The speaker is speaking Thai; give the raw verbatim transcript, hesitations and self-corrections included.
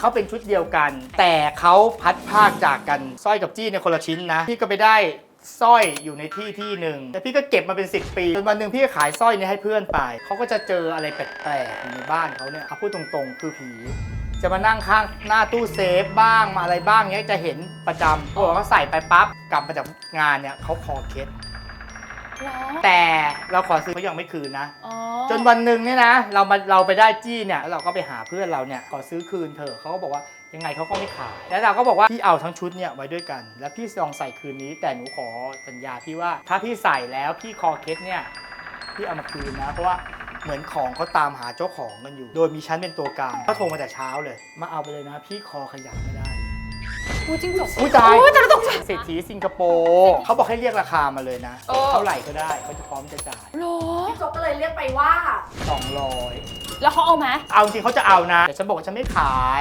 เขาเป็นชุดเดียวกัน แต่เขาพัดภาคจากกันสร้อยกับจี้ในคนละชิ้นนะพี่ก็ไปได้สร้อยอยู่ในที่ที่หนึ่งแต่พี่ก็เก็บมาเป็นสิบปีจนวันหนึ่งพี่ก็ขายสร้อยนี้ให้เพื่อนไปเขาก็จะเจออะไรแปลกๆอยู่ในบ้านเขาเนี่ยเอาพูดตรงๆคือผีจะมานั่งข้างหน้าตู้เซฟบ้างมาอะไรบ้างเนี้ยจะเห็นประจำพอเขาใส่ไปปั๊บกลับมาจากงานเนี่ยเขาคอเคล็ดแต่เราขอซื้อเขายังไม่คืนนะจนวันหนึ่งเนี่ยนะเรามาเราไปได้จี้เนี่ยเราก็ไปหาเพื่อนเราเนี่ยขอซื้อคืนเถอะเขาก็บอกว่ายังไงเขาก็ไม่ขายแล้วเราก็บอกว่าพี่เอาทั้งชุดเนี่ยไว้ด้วยกันแล้วพี่ลองใส่คืนนี้แต่หนูขอสัญญาพี่ว่าถ้าพี่ใส่แล้วพี่คอเคล็ดเนี่ยพี่เอามาคืนนะเพราะว่าเหมือนของเขาตามหาเจ้าของกันอยู่โดยมีฉันเป็นตัวกลางเขาโทรมาแต่เช้าเลยมาเอาไปเลยนะพี่คอขยับไม่ได้พูดจริงจบอุ้ยตายอุ้ยแต่เราต้องเศรษฐีสิงคโปร์เขาบอกให้เรียกราคามาเลยนะเออเท่าไหร่ก็ได้เขาจะพร้อมจะจ่ายโหรอพี่โจ๊กก็เลยเรียกไปว่าสองร้อยแล้วเขาเอาไหมเอาจริงเขาจะเอานะแต่ฉันบอกว่าฉันไม่ขาย